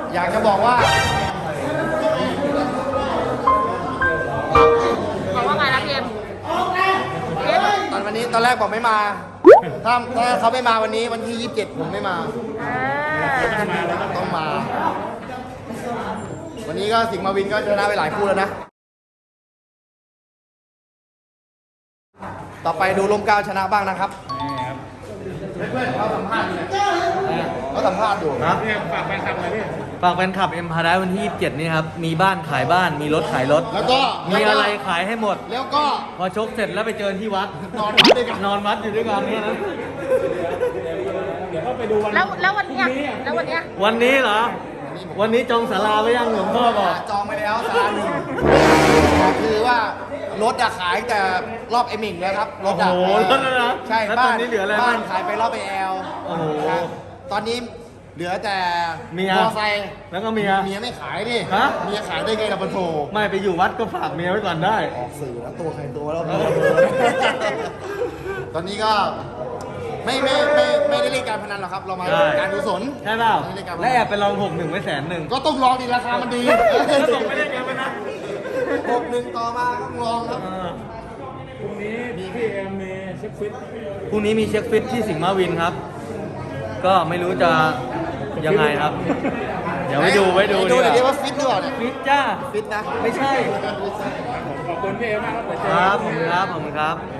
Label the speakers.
Speaker 1: อยากจะบอกว่า
Speaker 2: บอกว่าไงนะพี่เอ็ม
Speaker 1: ตอนวันนี้ตอนแรกบอกไม่มา ถ้าเขาไม่มาวันนี้วันที่ 27 ผมไม่มา ต้องมา วันนี้ก็สิงห์มาวินก็ชนะไปหลายคู่แล้วนะ ต่อไปดูลมเกล้าชนะบ้างนะครับเพื่อนๆเขาสัมภาษณ์อยู่เนี่ยเขาสัมภาษณ์อยู่
Speaker 3: ครับฝากแฟนคลับเลยพี่
Speaker 4: ฝากแฟนคลับเอ็มพาราวันที่ 27 นี้ครับ มีบ้านขายบ้าน มีรถขายรถ
Speaker 1: แล้วก็
Speaker 4: มีอะไรขายให้หมด
Speaker 1: แล้วก็
Speaker 4: พอชกเสร็จแล้วไปเจอที่วัด
Speaker 1: นอนวัดด้วยกัน
Speaker 4: นอนวัดอยู่ด้วยกันเนี่ยนะ
Speaker 3: เดี๋ยวก็ไปดูวัน
Speaker 2: แล้ววันเนี้ยแล้ววันเนี้ย
Speaker 4: วันนี้เหรอ วันนี้จองศาลาไว้ยังหลวงพ่อบอก
Speaker 1: จองไปแล้วซาลาหนึ่งคือว่ารถอะขายแต่รอบไอหมิงแล้วครับรถอะ
Speaker 4: โอ้โหรถแล้วนะ
Speaker 1: ใช่
Speaker 4: แล้ว
Speaker 1: บ้า
Speaker 4: ตอน นนี้เหลืออะไร
Speaker 1: บ้าน
Speaker 4: บ้าง
Speaker 1: ขายไปรอบไอแอล
Speaker 4: โอ้โห
Speaker 1: ครับตอนนี้เหลือแต่
Speaker 4: เมีย
Speaker 1: มอไซค์
Speaker 4: แล้วก็เมีย
Speaker 1: เมียไม่ขายดิ
Speaker 4: ฮะ
Speaker 1: เมียขายได้ไงล่ะปะโถ
Speaker 4: ไม่ไปอยู่วัดก็ฝากเมียไว้ก่อนได้
Speaker 1: ออกสื่อแล้วตัวใครตัวแล้ว
Speaker 4: เออ
Speaker 1: ตอนนี้ก็ไม่ได้เล่นการพนันหรอกครับ เรามา
Speaker 4: ใช่
Speaker 1: การกุศล
Speaker 4: ใช่เปล่า
Speaker 1: ไม่ได้เล่นการพ
Speaker 4: และ
Speaker 1: นั
Speaker 4: แอบไปลอง61ไว้100,000
Speaker 1: ก็ต้องลองดีราคามันดี
Speaker 4: แล้วส่งไม่ได้เงินไปนะ
Speaker 1: 61ต่อมาต้องลองครับ
Speaker 3: พรุ่งนี้พี่เอ็มมีเช็คฟิต
Speaker 4: พรุ่งนี้มีเช็คฟิตที่สิงห์มาวินครับ ก็ไม่รู้จะยังไงครับ เดี๋ยวไปดู
Speaker 1: ดู
Speaker 4: ดี
Speaker 1: เดี๋ยว
Speaker 4: ก
Speaker 1: นี้
Speaker 4: ว่า
Speaker 1: ว่าฟิตหรือเปล่าเนี่ย
Speaker 4: ฟิตจ้า
Speaker 1: ฟิตนะ
Speaker 4: ไม่ใช่
Speaker 3: ขอบคุณพี่เอ็มมากครับเดี๋ยวเจอ
Speaker 4: ครับผมครับผมครับ